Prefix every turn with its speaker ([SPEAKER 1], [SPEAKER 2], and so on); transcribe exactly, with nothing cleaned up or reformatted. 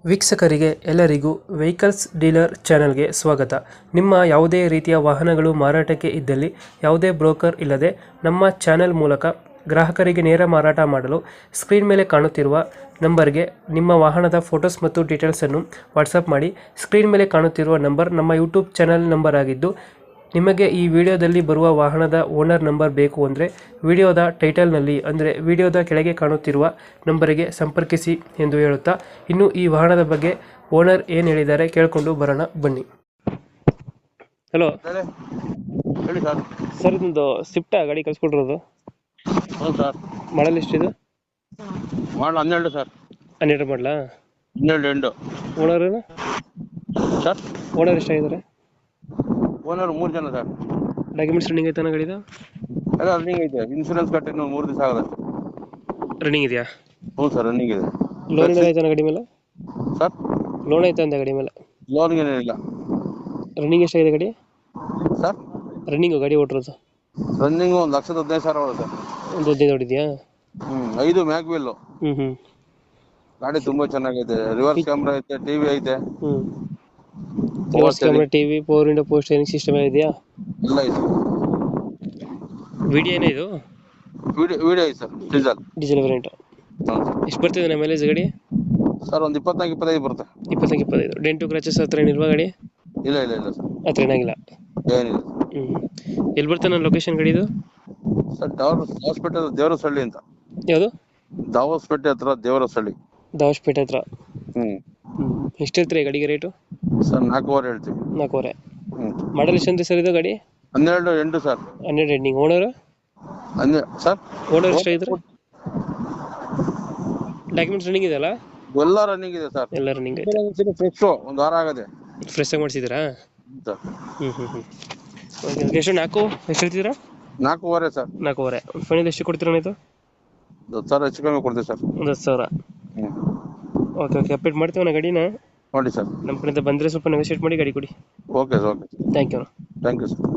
[SPEAKER 1] ವೀಕ್ಷಕರಿಗೆ ಎಲ್ಲರಿಗೂ vehicles dealer ಚಾನೆಲ್ಗೆ ಸ್ವಾಗತ. ನಿಮ್ಮ ಯಾವುದೇ ರೀತಿಯ ವಾಹನಗಳು ಮಾರಾಟಕ್ಕೆ ಇದ್ದಲ್ಲಿ ಯಾವುದೇ ಬ್ರೋಕರ್ ಇಲ್ಲದೆ ನಮ್ಮ ಚಾನೆಲ್ ಮೂಲಕ ಗ್ರಾಹಕರಿಗೆ ನೇರ ಮಾರಾಟ ಮಾಡಲು ಸ್ಕ್ರೀನ್ ಮೇಲೆ ಕಾಣುತ್ತಿರುವ ನಂಬರ್ಗೆ ನಿಮ್ಮ ವಾಹನದ ಫೋಟೋಸ್ ಮತ್ತು ಡೀಟೇಲ್ಸನ್ನು ವಾಟ್ಸಪ್ ಮಾಡಿ. ಸ್ಕ್ರೀನ್ ಮೇಲೆ ಕಾಣುತ್ತಿರುವ ನಂಬರ್ ನಮ್ಮ ಯೂಟ್ಯೂಬ್ ಚಾನೆಲ್ ನಂಬರ್ ಆಗಿದ್ದು, ನಿಮಗೆ ಈ ವಿಡಿಯೋದಲ್ಲಿ ಬರುವ ವಾಹನದ ಓನರ್ ನಂಬರ್ ಬೇಕು ಅಂದರೆ ವಿಡಿಯೋದ ಟೈಟಲ್ನಲ್ಲಿ ಅಂದರೆ ವಿಡಿಯೋದ ಕೆಳಗೆ ಕಾಣುತ್ತಿರುವ ನಂಬರಿಗೆ ಸಂಪರ್ಕಿಸಿ ಎಂದು ಹೇಳುತ್ತಾ, ಇನ್ನು ಈ ವಾಹನದ ಬಗ್ಗೆ ಓನರ್ ಏನು ಹೇಳಿದ್ದಾರೆ ಕೇಳಿಕೊಂಡು ಬರೋಣ ಬನ್ನಿ. ಹಲೋ
[SPEAKER 2] ಹೇಳಿ ಹೇಳಿ ಸರ್.
[SPEAKER 1] ಸರ್, ಇದೊಂದು ಸ್ವಿಫ್ಟ್ ಗಾಡಿ ಕಳಿಸ್ಕೊಟ್ಟಿರೋದು,
[SPEAKER 2] ಹೌದು ಸರ್.
[SPEAKER 1] ಮಾಡಲ್ ಎಷ್ಟಿದೆ?
[SPEAKER 2] ಮಾಡಲ್ ಹನ್ನೆರಡು ಸರ್.
[SPEAKER 1] ಹನ್ನೆರಡು ಮಾಡಲಾ?
[SPEAKER 2] ಹನ್ನೆರಡು ಎಂಟು.
[SPEAKER 1] ಓನರ್
[SPEAKER 2] ಸರ್
[SPEAKER 1] ಓನರ್ ಎಷ್ಟಾಗಿದ್ದಾರೆ?
[SPEAKER 2] ಓನರ್ ಮೂರು ಜನ ಸರ್.
[SPEAKER 1] ಡಾಕ್ಯುಮೆಂಟ್ಸ್ ರನ್ನಿಂಗ್ ಐತಾನ ಗಾಡಿದ?
[SPEAKER 2] ಎಲ್ಲ ರನ್ನಿಂಗ್ ಐತೆ. ಇನ್ಶೂರೆನ್ಸ್ ಕಟ್ಟಿ ಇನ್ನು ಮೂರು ದಿವಸ ಆಗೋದು.
[SPEAKER 1] ರನ್ನಿಂಗ್ ಇದೆಯಾ?
[SPEAKER 2] ಹ್ಞೂ ಸರ್, ರನ್ನಿಂಗ್ ಇದೆ.
[SPEAKER 1] ಲೋನ್ ಏನಾರ ಐತಾನ ಗಾಡಿ ಮೇಲೆ?
[SPEAKER 2] ಸರ್
[SPEAKER 1] ಲೋನ್ ಐತೆ ಅಂತ ಗಾಡಿ ಮೇಲೆ?
[SPEAKER 2] ಲೋನ್ ಏನಿಲ್ಲ.
[SPEAKER 1] ರನ್ನಿಂಗ್ ಎಷ್ಟಾಗಿದೆ ಗಾಡಿ?
[SPEAKER 2] ಸರ್
[SPEAKER 1] ರನ್ನಿಂಗು ಗಾಡಿ ಓಟಿರೋದು
[SPEAKER 2] ರನ್ನಿಂಗ್ ಒಂದು ಲಕ್ಷದ ಹದಿನೈದು ಸಾವಿರ ಆಗೋದು ಸರ್.
[SPEAKER 1] ಒಂದು ಹದಿನೈದು ಹೊಡಿದ್ಯಾ?
[SPEAKER 2] ಹ್ಞೂ ಐದು ಮ್ಯಾಗ್ ವೀಲ್.
[SPEAKER 1] ಹ್ಞೂ ಹ್ಞೂ
[SPEAKER 2] ಗಾಡಿ ತುಂಬಾ ಚೆನ್ನಾಗೈತೆ. ರಿವರ್ಸ್ ಕ್ಯಾಮ್ರಾ ಐತೆ, ಟಿವಿ ಐತೆ.
[SPEAKER 1] ಹ್ಞೂ reverse camera, TV, power window, post steering system ಇದೆಯಾ?
[SPEAKER 2] ಎಲ್ಲ ಐತೆ.
[SPEAKER 1] ವಿಡಿಯೋ ಏನೇ ಇದು?
[SPEAKER 2] ವಿಡಿಯೋ ವಿಡಿಯೋ ಐತೆ ಸರ್. Diesel
[SPEAKER 1] diesel variant.
[SPEAKER 2] ಹ್ಞೂ
[SPEAKER 1] ಎಷ್ಟು ಬರ್ತಿದೆ ನಮ್ಮ ಮೈಲೇಜ್ ಗಾಡಿ?
[SPEAKER 2] ಸರ್ ಒಂದು ಇಪ್ಪತ್ನಾಲ್ಕು ಇಪ್ಪತ್ತೈದು ಬರುತ್ತೆ.
[SPEAKER 1] ಇಪ್ಪತ್ತೈದು ಇಪ್ಪತ್ತೈದು. ಡೆಂಟು ಕ್ರಾಚಸ್ ಹತ್ರ ಏನಿಲ್ವಾ ಗಾಡಿ?
[SPEAKER 2] ಇಲ್ಲ ಇಲ್ಲ ಇಲ್ಲ ಸರ್,
[SPEAKER 1] ಹತ್ರ ಏನಾಗಿಲ್ಲ.
[SPEAKER 2] ಏನಿಲ್ಲ.
[SPEAKER 1] ಹ್ಞೂ ಎಲ್ಲಿ ಬರ್ತಾನೆ ನನ್ನ ಲೊಕೇಶನ್ ಗಾಡಿದು?
[SPEAKER 2] ಸರ್ ದಾವರ್ ದಾವಸ್ಪೇಟೆ ದೇವರಸಳ್ಳಿ ಅಂತ.
[SPEAKER 1] ಯಾವುದು?
[SPEAKER 2] ದಾವಸ್ಪೇಟೆ ಹತ್ರ ದೇವರಸಳ್ಳಿ.
[SPEAKER 1] ದಾವಸ್ಪೇಟೆ ಹತ್ರ.
[SPEAKER 2] ಹ್ಞೂ
[SPEAKER 1] ಹ್ಞೂ ಎಷ್ಟು ಹೇಳ್ತೀರಿ ಗಾಡಿಗೆ ರೇಟು?
[SPEAKER 2] ಸರ್ ನಾಲ್ಕೂವರೆ ಹೇಳ್ತೀವಿ.
[SPEAKER 1] ನಾಲ್ಕೂವರೆ.
[SPEAKER 2] ಹ್ಞೂ
[SPEAKER 1] ಮಾಡಲ್ ಎಷ್ಟು ಅಂದ್ರೆ ಸರ್ ಇದು ಗಾಡಿ?
[SPEAKER 2] ಹನ್ನೆರಡು ಎಂಟು ಸರ್.
[SPEAKER 1] ಹನ್ನೆರಡು ಎಂಡಿಂಗ್. ಓನರು?
[SPEAKER 2] ಹನ್ನೆ ಸರ್
[SPEAKER 1] ಓನರ್ ಎಷ್ಟಾಗಿದ್ರೆ? ಡಾಕ್ಯುಮೆಂಟ್ಸ್ ರನ್ನಿಂಗ್ ಇದೆಯಲ್ಲ?
[SPEAKER 2] ಎಲ್ಲ ರನ್ನಿಂಗ್ ಇದೆ ಸರ್.
[SPEAKER 1] ಎಲ್ಲ ರನ್ನಿಂಗ್ ಐತೆ.
[SPEAKER 2] ಫ್ರೆಶ್ ಒಂದು ವಾರ ಆಗದೆ.
[SPEAKER 1] ಫ್ರೆಶ್ ಆಗಿ ಮಾಡಿಸಿದ್ದೀರಾ?
[SPEAKER 2] ಸರ್
[SPEAKER 1] ಹ್ಞೂ ಹ್ಞೂ ಹ್ಞೂ ಓಕೆ ಓಕೆ. ಎಷ್ಟು ನಾಲ್ಕು ಎಷ್ಟು ಹೇಳ್ತಿದ್ದೀರಾ?
[SPEAKER 2] ನಾಲ್ಕೂವರೆ ಸರ್.
[SPEAKER 1] ನಾಲ್ಕೂವರೆ. ಫೈನಲ್ ಎಷ್ಟು ಕೊಡ್ತೀರಾ ಇದು?
[SPEAKER 2] ಹತ್ತು ಸಾವಿರ ಹೆಚ್ಚು ಕಮ್ಮಿ ಕೊಡ್ತೀವಿ ಸರ್.
[SPEAKER 1] ಒಂದು ಹತ್ತು ಸಾವಿರ.
[SPEAKER 2] ಹ್ಞೂ
[SPEAKER 1] ಓಕೆ ಓಕೆ. ಅಪ್ಡೇಟ್ ಮಾಡ್ತೀವಿ ನಾ ಗಾಡಿನ.
[SPEAKER 2] ನೋಡಿ ಸರ್,
[SPEAKER 1] ನಮ್ಮ ಕಡೆಯಿಂದ ಬಂದರೆ ಸ್ವಲ್ಪ ನೆಗೋಷಿಯೇಟ್ ಮಾಡಿ ಗಾಡಿ ಕೊಡಿ.
[SPEAKER 2] Okay sir. Okay
[SPEAKER 1] thank you.
[SPEAKER 2] Thank you sir.